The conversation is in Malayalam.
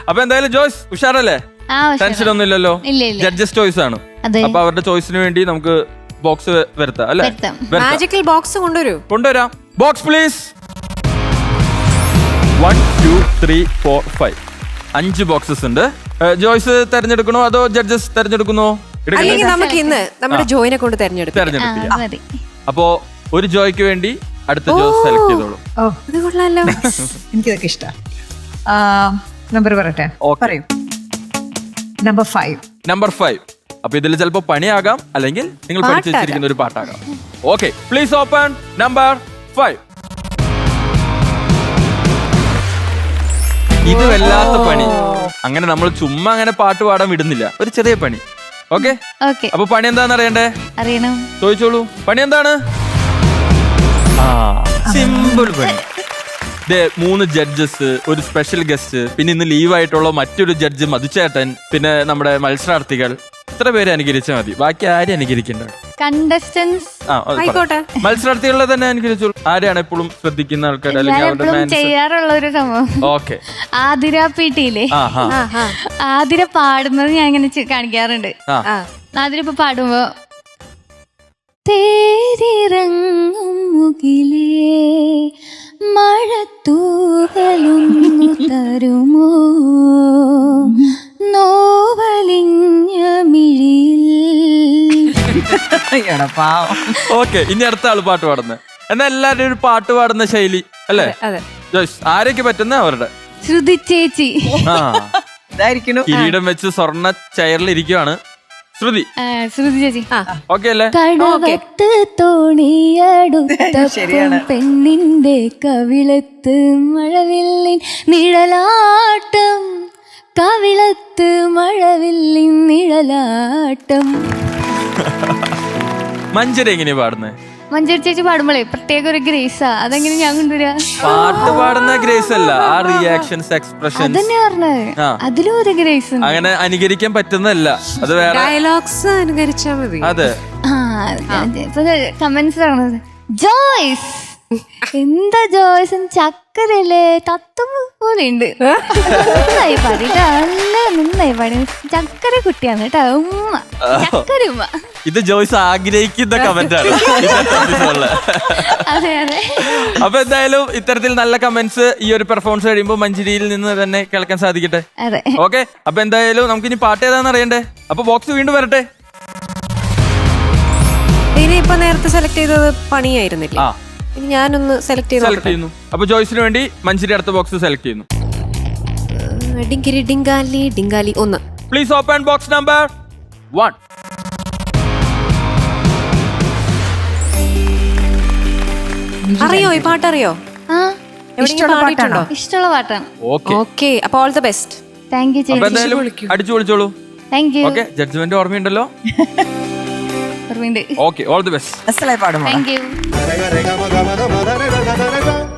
അപ്പൊ എന്തായാലും ജോയ്സ് ഉഷാറല്ലേ? ടെൻഷൻ ഒന്നും ഇല്ലല്ലോ. ജഡ്ജസ് ചോയ്സ് ആണ്. അപ്പൊ അവരുടെ ചോയ്സിന് വേണ്ടി നമുക്ക് ബോക്സ് വരുത്താം അല്ലെ? മാജിക്കൽ ബോക്സ് കൊണ്ടുവരാം. Box please. 1 2 3 4 5 5 ബോക്സസ് ഉണ്ട്. ജോയ്സ് തെരഞ്ഞെടുക്കണോ അതോ ജഡ്ജസ് തെരഞ്ഞെടുക്കുന്നോ? നമുക്ക് ഇന്ന് നമ്മുടെ ജോയിനെ കൊണ്ട് തെരഞ്ഞെടുപ്പിക്കാം. അപ്പോ ഒരു ജോയ്ക്ക് വേണ്ടി അടുത്ത ജോയ് സെലക്ട് ചെയ്തോളൂ. എനിക്കിതൊക്കെ ഇഷ്ടം. നമ്പർ പറയട്ടെ? പറയൂ. നമ്പർ 5. അപ്പൊ ഇതിൽ ചിലപ്പോ പണിയാകാം, അല്ലെങ്കിൽ നിങ്ങൾ പഠിച്ചു വെച്ചിരിക്കുന്ന ഒരു പാട്ടാകാം. Okay, please open number 5. ഇത് വല്ലാത്ത പണി. അങ്ങനെ നമ്മൾ ചുമ്മാ അങ്ങനെ പാട്ട് പാടാൻ വിടുന്നില്ല, ഒരു ചെറിയ പണി. ഓക്കെ, അപ്പൊ പണി എന്താന്ന് അറിയണ്ടേ? അറിയണം. ചോദിച്ചോളൂ. പണി എന്താണ്? സിമ്പിൾ പണി. 3 ജഡ്ജസ്, ഒരു സ്പെഷ്യൽ ഗസ്റ്റ്, പിന്നെ ഇന്ന് ലീവായിട്ടുള്ള മറ്റൊരു ജഡ്ജ് മധുചേട്ടൻ, പിന്നെ നമ്മുടെ മത്സരാർത്ഥികൾ. ഇത്ര പേര് അനുകരിച്ചാൽ മതി, ബാക്കി ആരും അനുകരിക്കണ്ട. മത്സരാർത്ഥികളെ തന്നെ അനുകരിച്ചോളൂ. ആരെയാണ് എപ്പോഴും ശ്രദ്ധിക്കുന്ന ആൾക്കാർ? ചെയ്യാറുള്ള ഒരു സംഭവം. ഓക്കെ, ആതിര പീട്ടിയില്ലേ, ആതിര പാടുന്നത് ഞാൻ ഇങ്ങനെ കാണിക്കാറുണ്ട്. ആതിര ഇപ്പൊ പാടുമ്പോ തേരിറങ്ങും മുകിലേ മഴത്തൂകലൊന്നു തരുമോ നോവലിഞ്ഞ മിഴിയിൽ. ഓക്കെ, ഇനി അടുത്ത ആള് പാട്ട് പാടുന്നത്. എന്നാ എല്ലാരും ഒരു പാട്ട് പാടുന്ന ശൈലി അല്ലേ? ജോയ്സ്, ആരൊക്കെ പറ്റുന്ന അവരുടെ? ശ്രുതി ചേച്ചി. കിരീടം വെച്ച് സ്വർണ്ണ ചെയറിൽ ഇരിക്കുവാണ് ശ്രുതി. ശ്രുതി ചേച്ചി ഓക്കെ അല്ലേ? കടവത്ത് തോണിയടുത്തപ്പം പെണ്ണിന്റെ കവിളത്ത് മഴവില്ലിൻ നിഴലാട്ടം, കവിളത്ത് മഴവില്ലിൻ നിഴലാട്ടം. മഞ്ജരി എങ്ങനെയാ പാടുന്നത്? മഞ്ജരി ചേച്ചി പാടുമ്പോഴേ പ്രത്യേക ഒരു ഗ്രേസാ. അതെങ്ങനെ ഞാൻ കൊണ്ടുവരാ? പാട്ട് പാടുന്ന ഗ്രേസ് അല്ല, ആ റിയാക്ഷൻസ്, എക്സ്പ്രഷൻ അതന്നെ പറഞ്ഞത്. അതിലും ഒരു ഗ്രേസ് അങ്ങനെ അനുകരിക്കാൻ പറ്റുന്നതല്ല, അത് വേറെ ഡയലോഗ്സ് അനുകരിച്ചാ മതി. അതെ. കമന്റ്സ് പറഞ്ഞത് ജോയ്സ് എന്താ ജോയ്സ് ചക്കരല്ലേ തത്തുമ്പോ പോലെ ഉണ്ട്. നന്നായി പാടിട്ടോ, നല്ല നന്നായി പാടി. ചക്കര കുട്ടിയാണ് കേട്ടോ, ഉമ്മ ചക്കര ഉമ്മ. ഇത് ജോയ്സ് ആഗ്രഹിക്കുന്ന കമന്റ് ആണ്. അതെ അതെ. അപ്പൊ എന്തായാലും ഇത്തരത്തിൽ നല്ല കമന്റ്സ് ഈ ഒരു പെർഫോമൻസ് കഴിയുമ്പോൾ മഞ്ജരിയിൽ നിന്ന് തന്നെ കേൾക്കാൻ സാധിക്കട്ടെ. ഓക്കെ, അപ്പൊ എന്തായാലും നമുക്ക് ഇനി പാട്ട് ഏതാന്ന് അറിയണ്ടേ? അപ്പൊ ബോക്സ് വീണ്ടും വരട്ടെ. ഇപ്പൊ നേരത്തെ സെലക്ട് ചെയ്തത് പണിയായിരുന്നില്ല, ഞാനൊന്ന് സെലക്ട് ചെയ്യുന്നു. അപ്പൊ ജോയ്സിന് വേണ്ടി മഞ്ജരി അടുത്ത ബോക്സ് സെലക്ട് ചെയ്യുന്നു. ഡിങ്കിരി ഡിങ്കാലി ഡിങ്കാലി 1. Please open box number 1. അറിയോ ഈ പാട്ടറിയോ? ഇഷ്ടമുള്ള പാട്ടാണ്. ഓക്കെ, അപ്പൊ all the best. Thank you ചേച്ചി. അടിച്ചു വിളിച്ചോളൂ. Thank you. ഓക്കെ, ജഡ്ജ്മെന്റ് ഓർമ്മയുണ്ടല്ലോ? Okay, all the best. Thank U.